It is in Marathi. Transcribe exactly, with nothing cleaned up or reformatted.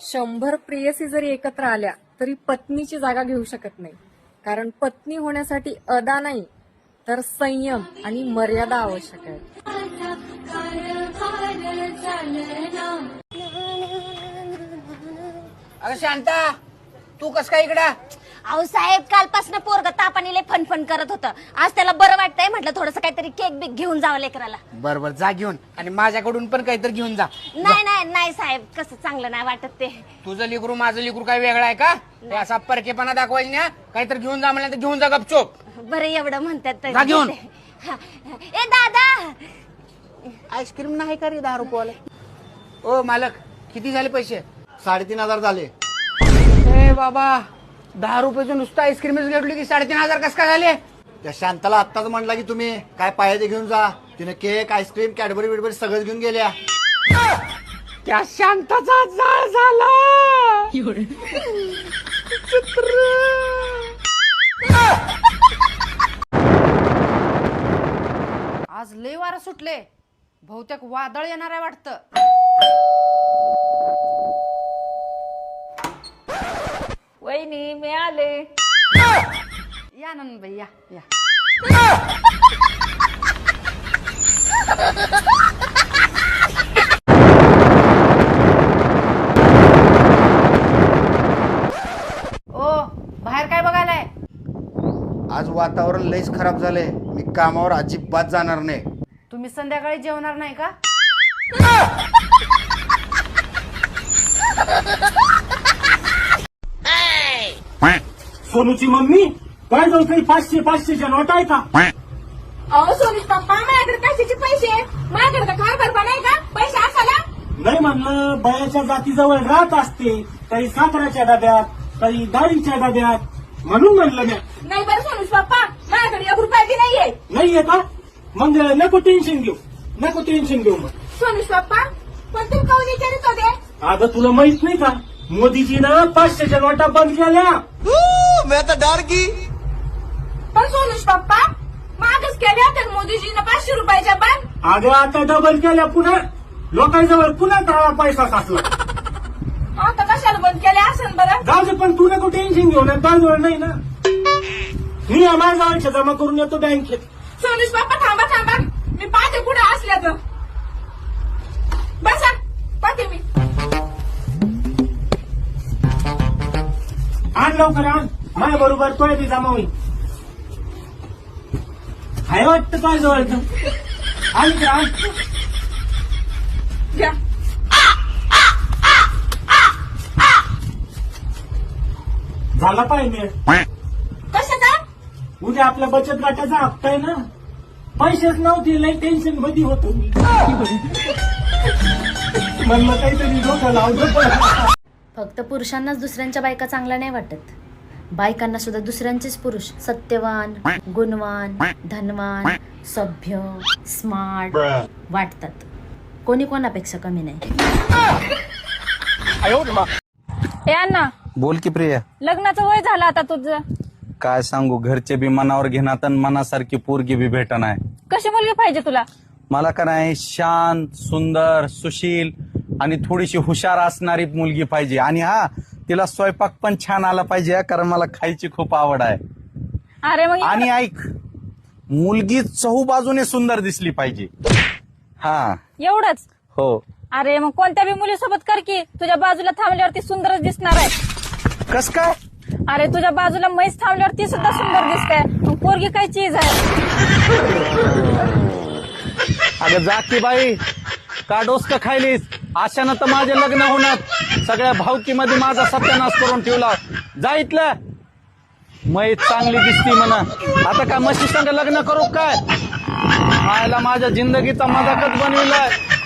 शंभर प्रेयसी जरी एकत्र आल्या तरी पत्नीची जागा घेऊ शकत नाही. कारण पत्नी होण्यासाठी अदा नाही तर संयम आणि मर्यादा आवश्यक आहे. अगं शांता, तू कस काय इकडं? अहो साहेब, कालपासून पोरग तापाने लय फनफन करत होतं. आज त्याला बरं वाटतंय, म्हटलं थोडस काहीतरी केक बिक घेऊन जावं लेकराला. बर बर, जा घेऊन, आणि माझ्याकडून पण काहीतरी घेऊन जा. नाही नाही नाही साहेब, कसं चांगलं नाही वाटत ते. तुझं लेकरू माझं लेकरू काय वेगळं आहे का? ते असा परकेपणा दाखवायची ना. काहीतरी घेऊन जा म्हणलं तर घेऊन जा गपचूप. बरं एवढं म्हणतात तर. जा घेऊन. हा. ए दादा, आईस्क्रीम नाही का रे दहा रुपयाला? ओ मालक, किती झाले पैसे? साडेतीन हजार झाले. ए बाबा, दहा रुपयाचं नुसतं आईस्क्रीमच घेतली की साडेतीन हजार कस काय झाले? त्या शांताला आत्ताच म्हणला की तुम्ही काय पाहिजे घेऊन जा. तिने केक, आईस्क्रीम, कॅडबरी बिडबरी सगळंच घेऊन गेल्या. त्या शांताचा जाळ झाला. आज लय वारं सुटले, बहुतेक वादळ येणार आहे वाटतं. वहिनी मी आले. या नंदबाई या या. ओ बाहेर काय बघायलाय? आज वातावरण लयच खराब झालंय. मी कामावर अजिबात जाणार नाही. तुम्ही संध्याकाळी जेवणार नाही का? सोनूची मम्मी काय जाऊ काही पाचशे पाचशेच्या नोट आहे का? अहो सोनीस पप्पा, माझ्याकडे कशाचे पैसे? माझ्याकडे काय करता नाही का पैसे असाला? नाही म्हणलं, बयाच्या जातीजवळ राहत असते, काही साखराच्या डब्यात, काही डाळीच्या डब्यात, म्हणून म्हणलं मी. नाही बरं सोनीस पप्पा, माझ्याकडे एक रुपया बी नाहीये. नाहीये का? मग नको टेन्शन घेऊ, नको टेन्शन घेऊ. मग सोनीस पप्पा, पण तुम्ही काऊन विचारित होते? अगं तुला माहित नाही का, मोदीजीनं पाचशेच्या नोटा बंद केल्या. पण सोनीस पप्पा, मागच केल्या तर मोदीजीनं पाचशे रुपयाच्या पण. अगं आता डबल केल्या पुन्हा, लोकांजवळ पुन्हा दहा पैसा साचला. आता कशाला बंद केल्या असेल बरं? जाऊ दे, पण तू नको टेन्शन घेऊ ना, तांदूळ नाही ना. मी माझ्या जमा करून येतो बँकेत. सोनीस पप्पा थांबा थांबा, मी पाहते कुठे असल्या तर. बसा, पाहते मी. आण लवकर आण, माझ्या बरोबर तोय बी जमा होईल. हाय वाटतं काय जवळ आण इकडे आण. घ्या. झाला पाहिजे कशाचा? उद्या आपल्या बचत गटाचा हप्ता आहे ना. पैसेच नव्हते, लई टेन्शन मध्ये होतो मी. म्हणलं काहीतरी डोकं लावतो. फक्त पुरुषांनाच दुसऱ्यांच्या बायका चांगल्या नाही वाटत, बायकांना सुद्धा दुसऱ्यांचेच पुरुष सत्यवान, गुणवान, धनवान, सभ्य, स्मार्ट वाटतात. कोणी कोणापेक्षा कमी नाही. ए अण्णा, बोल की प्रिया. लग्नाचं वय झालं आता तुझं. काय सांगू, घरचे बी मनावर घेणार आणि मनासारखी पोरगी बी भेटना आहे. कशी मुलगी पाहिजे तुला? मला का नाही, शांत, सुंदर, सुशील आणि थोडीशी हुशार असणारी मुलगी पाहिजे. आणि हा, तिला स्वयंपाक पण छान आला पाहिजे, कारण मला खायची खूप आवड आहे. अरे मग आणि ऐक, मुलगी चहू बाजूने सुंदर दिसली पाहिजे. हा एवढंच? हो. अरे मग कोणत्या बी मुलीसोबत कर की, तुझ्या बाजूला थांबल्यावरती सुंदरच दिसणार आहे. कस काय? अरे तुझ्या बाजूला म्हैस थांबल्यावर ती सुद्धा सुंदर दिसते. मग पोरगी काय चीज आहे? अगं जा की बाई, का डोसकं खायलीस? अशानं तर माझे लग्न होणार. सगळ्या भावकीमध्ये माझा सत्यानाश करून ठेवला. जा इथलं. म्हैस चांगली दिसती म्हणा. आता काय म्हशी संग लग्न करू काय? मायला माझ्या जिंदगीचा मजाकच बनविलाय.